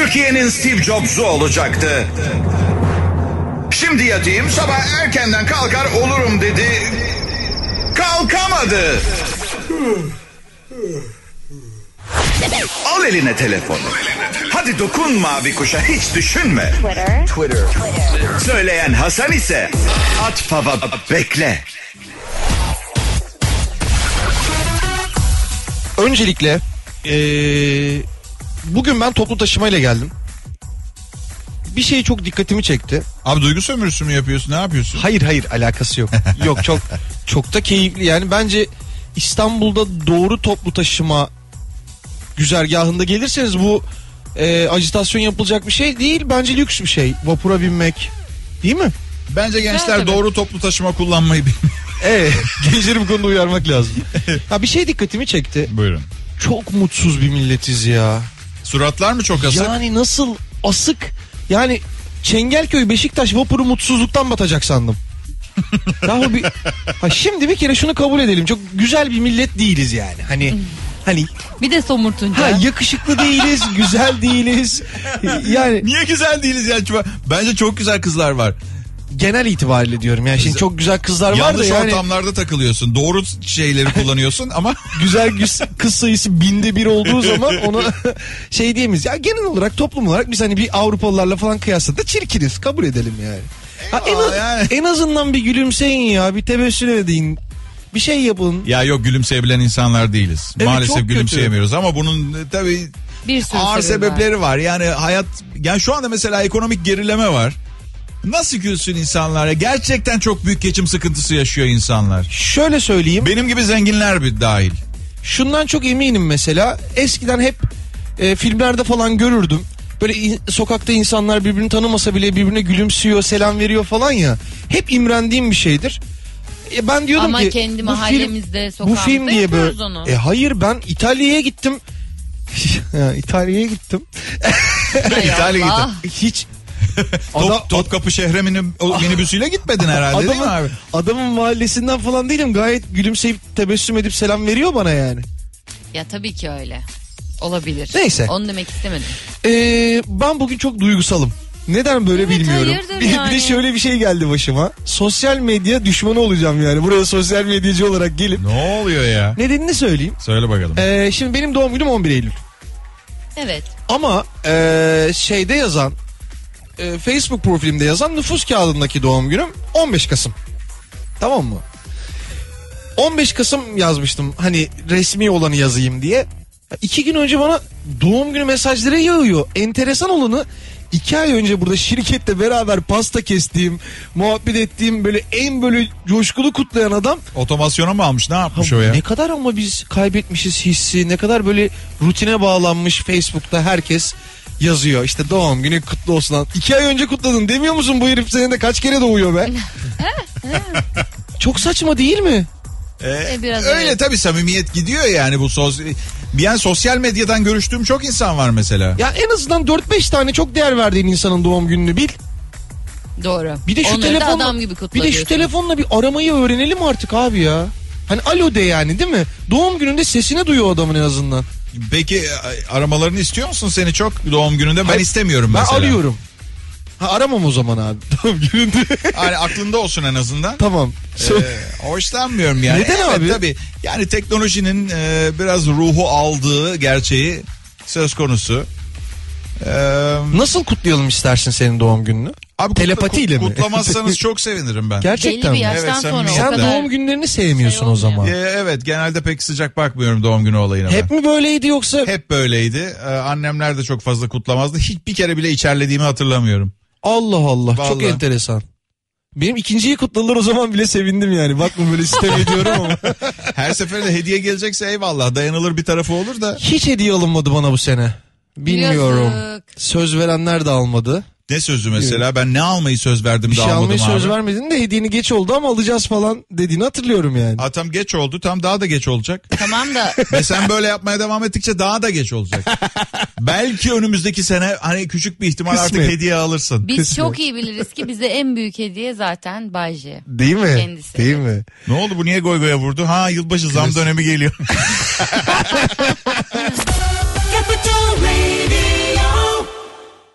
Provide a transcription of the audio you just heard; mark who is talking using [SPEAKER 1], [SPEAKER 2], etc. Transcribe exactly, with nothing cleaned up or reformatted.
[SPEAKER 1] Türkiye'nin Steve Jobs'u olacaktı. Şimdi yatayım, sabah erkenden kalkar olurum dedi. Kalkamadı. Al eline telefonu. Hadi dokun mavi kuşa, hiç düşünme.
[SPEAKER 2] Twitter.
[SPEAKER 1] Twitter. Twitter. Söyleyen Hasan ise at fava bekle.
[SPEAKER 3] Öncelikle ee, bugün ben toplu taşımayla geldim. Bir şey çok dikkatimi çekti.
[SPEAKER 4] Abi duygu sömürüsü mü yapıyorsun, ne yapıyorsun?
[SPEAKER 3] Hayır hayır, alakası yok. Yok, çok çok da keyifli. Yani bence İstanbul'da doğru toplu taşıma güzergahında gelirseniz bu e, ajitasyon yapılacak bir şey değil. Bence lüks bir şey. Vapura binmek. Değil mi?
[SPEAKER 4] Bence gençler
[SPEAKER 2] Evet,
[SPEAKER 4] doğru toplu taşıma kullanmayı bilmiyor.
[SPEAKER 3] Evet. Gençleri bu konuda uyarmak lazım. Ha, bir şey dikkatimi çekti.
[SPEAKER 4] Buyurun.
[SPEAKER 3] Çok mutsuz bir milletiz ya.
[SPEAKER 4] Suratlar mı çok asık?
[SPEAKER 3] Yani nasıl asık? Yani Çengelköy Beşiktaş vapuru mutsuzluktan batacak sandım. Daha bir, ha şimdi bir kere şunu kabul edelim. Çok güzel bir millet değiliz yani. Hani hani
[SPEAKER 2] Bir de somurtunca.
[SPEAKER 3] ha, yakışıklı değiliz, güzel değiliz. Yani
[SPEAKER 4] Niye güzel değiliz ya? Bence çok güzel kızlar var.
[SPEAKER 3] genel itibariyle diyorum. Yani şimdi çok güzel kızlar var da
[SPEAKER 4] Yanlış
[SPEAKER 3] yani
[SPEAKER 4] ortamlarda takılıyorsun. Doğru şeyleri kullanıyorsun ama
[SPEAKER 3] güzel güz- kız sayısı binde bir olduğu zaman onu şey diyemeyiz. Ya genel olarak, toplum olarak biz hani bir Avrupalılarla falan kıyasla çirkiniz, kabul edelim yani. Ha, en, az-
[SPEAKER 4] yani.
[SPEAKER 3] en azından bir gülümseyin ya, bir tebessüm edin, bir şey yapın.
[SPEAKER 4] ya yok, gülümseyebilen insanlar değiliz.
[SPEAKER 3] Evet,
[SPEAKER 4] Maalesef
[SPEAKER 3] çok
[SPEAKER 4] gülümseyemiyoruz ama bunun e, tabii
[SPEAKER 2] Bir sürü
[SPEAKER 4] ağır
[SPEAKER 2] sebebi
[SPEAKER 4] sebepleri var. Yani hayat, yani şu anda mesela ekonomik gerileme var. Nasıl gülsün insanlar ya? Gerçekten çok büyük geçim sıkıntısı yaşıyor insanlar.
[SPEAKER 3] Şöyle söyleyeyim,
[SPEAKER 4] Benim gibi zenginler bir dahil.
[SPEAKER 3] şundan çok eminim mesela, eskiden hep e, filmlerde falan görürdüm. Böyle in- sokakta insanlar birbirini tanımasa bile birbirine gülümsüyor, selam veriyor falan ya. Hep imrendiğim bir şeydir. E, ben diyordum
[SPEAKER 2] Ama
[SPEAKER 3] ki
[SPEAKER 2] kendi
[SPEAKER 3] bu film,
[SPEAKER 2] mahallemizde,
[SPEAKER 3] bu
[SPEAKER 2] sokağımızda
[SPEAKER 3] film diye
[SPEAKER 2] yapıyoruz
[SPEAKER 3] böyle.
[SPEAKER 2] onu.
[SPEAKER 3] E, hayır, ben İtalya'ya gittim. Ya, İtalya'ya gittim.
[SPEAKER 2] Hay
[SPEAKER 4] İtalya'ya
[SPEAKER 2] Allah.
[SPEAKER 3] Hiç
[SPEAKER 4] Top,
[SPEAKER 3] Ada-
[SPEAKER 4] Topkapı şehre mini, o minibüsüyle gitmedin herhalde, değil mi
[SPEAKER 3] adamın,
[SPEAKER 4] abi?
[SPEAKER 3] adamın mahallesinden falan değilim. Gayet gülümseyip tebessüm edip selam veriyor bana yani.
[SPEAKER 2] Ya tabii ki öyle. Olabilir.
[SPEAKER 3] Neyse.
[SPEAKER 2] Onu demek istemedim.
[SPEAKER 3] Ee, ben bugün çok duygusalım. Neden böyle
[SPEAKER 2] Evet,
[SPEAKER 3] bilmiyorum.
[SPEAKER 2] hayırdır
[SPEAKER 3] Bir, bir de
[SPEAKER 2] yani?
[SPEAKER 3] şöyle bir şey geldi başıma. Sosyal medya düşmanı olacağım yani. Buraya sosyal medyacı olarak gelip.
[SPEAKER 4] Ne oluyor ya?
[SPEAKER 3] Nedenini söyleyeyim.
[SPEAKER 4] Söyle bakalım.
[SPEAKER 3] Ee, şimdi benim doğum günüm on bir Eylül.
[SPEAKER 2] Evet.
[SPEAKER 3] Ama ee, şeyde yazan, e, Facebook profilimde yazan nüfus kağıdındaki doğum günüm on beş Kasım. Tamam mı? on beş Kasım yazmıştım, hani resmi olanı yazayım diye. İki gün önce bana doğum günü mesajları yağıyor. Enteresan olanı, iki ay önce burada şirkette beraber pasta kestiğim, muhabbet ettiğim, böyle en böyle coşkulu kutlayan adam.
[SPEAKER 4] Otomasyona mı almış, ne yapmış
[SPEAKER 3] Ha,
[SPEAKER 4] o ya?
[SPEAKER 3] ne kadar ama biz kaybetmişiz hissi, ne kadar böyle rutine bağlanmış. Facebook'ta herkes yazıyor işte, doğum günü kutlu olsun lan. İki ay önce kutladın demiyor musun, bu herif senede kaç kere doğuyor be? Çok saçma değil mi?
[SPEAKER 4] Ee,
[SPEAKER 2] E, biraz
[SPEAKER 4] öyle
[SPEAKER 2] evet.
[SPEAKER 4] tabii, samimiyet gidiyor yani bu sos. Yani sosyal medyadan görüştüğüm çok insan var mesela.
[SPEAKER 3] Ya en azından dört beş tane çok değer verdiğin insanın doğum gününü bil.
[SPEAKER 2] Doğru.
[SPEAKER 3] Bir de şu
[SPEAKER 2] Onları da
[SPEAKER 3] telefonla
[SPEAKER 2] adam gibi kutla
[SPEAKER 3] bir de şu
[SPEAKER 2] diyorsun.
[SPEAKER 3] telefonla bir aramayı öğrenelim artık abi ya. Hani alo de yani, değil mi? Doğum gününde sesini duyuyor adamın en azından.
[SPEAKER 4] Peki aramalarını istiyor musun seni çok doğum gününde? Ben
[SPEAKER 3] Hayır,
[SPEAKER 4] istemiyorum
[SPEAKER 3] Ben
[SPEAKER 4] mesela.
[SPEAKER 3] arıyorum. Ha, aramam o zaman abi doğum gününde.
[SPEAKER 4] Yani aklında olsun en azından.
[SPEAKER 3] Tamam.
[SPEAKER 4] Ee, hoşlanmıyorum yani.
[SPEAKER 3] Neden
[SPEAKER 4] Evet,
[SPEAKER 3] abi?
[SPEAKER 4] Tabii. Yani teknolojinin e, biraz ruhu aldığı gerçeği söz konusu. Ee,
[SPEAKER 3] Nasıl kutlayalım istersin senin doğum gününü?
[SPEAKER 4] abi
[SPEAKER 3] Telepatiyle
[SPEAKER 4] kut-
[SPEAKER 3] mi?
[SPEAKER 4] Kutlamazsanız çok sevinirim ben.
[SPEAKER 3] Gerçekten
[SPEAKER 2] Belli bir
[SPEAKER 3] mi?
[SPEAKER 2] yaştan
[SPEAKER 4] Evet,
[SPEAKER 2] sonra o
[SPEAKER 4] samimiyet.
[SPEAKER 3] Sen
[SPEAKER 2] kadar...
[SPEAKER 3] doğum günlerini sevmiyorsun
[SPEAKER 2] şey
[SPEAKER 3] o zaman.
[SPEAKER 2] olmuyor.
[SPEAKER 4] Ee, evet, genelde pek sıcak bakmıyorum doğum günü olayına.
[SPEAKER 3] Hep
[SPEAKER 4] ben.
[SPEAKER 3] mi böyleydi yoksa?
[SPEAKER 4] Hep böyleydi. Ee, annemler de çok fazla kutlamazdı. Hiçbir kere bile içerlediğimi hatırlamıyorum.
[SPEAKER 3] Allah Allah, çok
[SPEAKER 4] Vallahi.
[SPEAKER 3] enteresan. Benim ikinciyi kutladılar, o zaman bile sevindim yani. Bakma böyle sitem ediyorum ama.
[SPEAKER 4] Her seferinde hediye gelecekse eyvallah, dayanılır bir tarafı olur da.
[SPEAKER 3] Hiç hediye alınmadı bana bu sene. Bilmiyorum.
[SPEAKER 2] Yazık.
[SPEAKER 3] Söz verenler de almadı.
[SPEAKER 4] Ne sözü mesela? Ben ne almayı söz verdim
[SPEAKER 3] Bir
[SPEAKER 4] de
[SPEAKER 3] şey
[SPEAKER 4] almadım
[SPEAKER 3] almaya söz
[SPEAKER 4] abi.
[SPEAKER 3] vermedin de hediyeni geç oldu ama alacağız falan dediğini hatırlıyorum yani.
[SPEAKER 4] Ha, tam geç oldu, tam daha da geç olacak.
[SPEAKER 2] Tamam da
[SPEAKER 4] Ve sen böyle yapmaya devam ettikçe daha da geç olacak. Belki önümüzdeki sene hani küçük bir ihtimal
[SPEAKER 3] Kısmet.
[SPEAKER 4] artık hediye alırsın.
[SPEAKER 2] biz
[SPEAKER 3] Kısmet.
[SPEAKER 2] çok iyi biliriz ki bize en büyük hediye zaten Bay J.
[SPEAKER 3] Değil mi?
[SPEAKER 2] Kendisi.
[SPEAKER 3] Değil mi?
[SPEAKER 4] Ne oldu, bu niye goy goya vurdu? Ha, yılbaşı zam dönemi geliyor.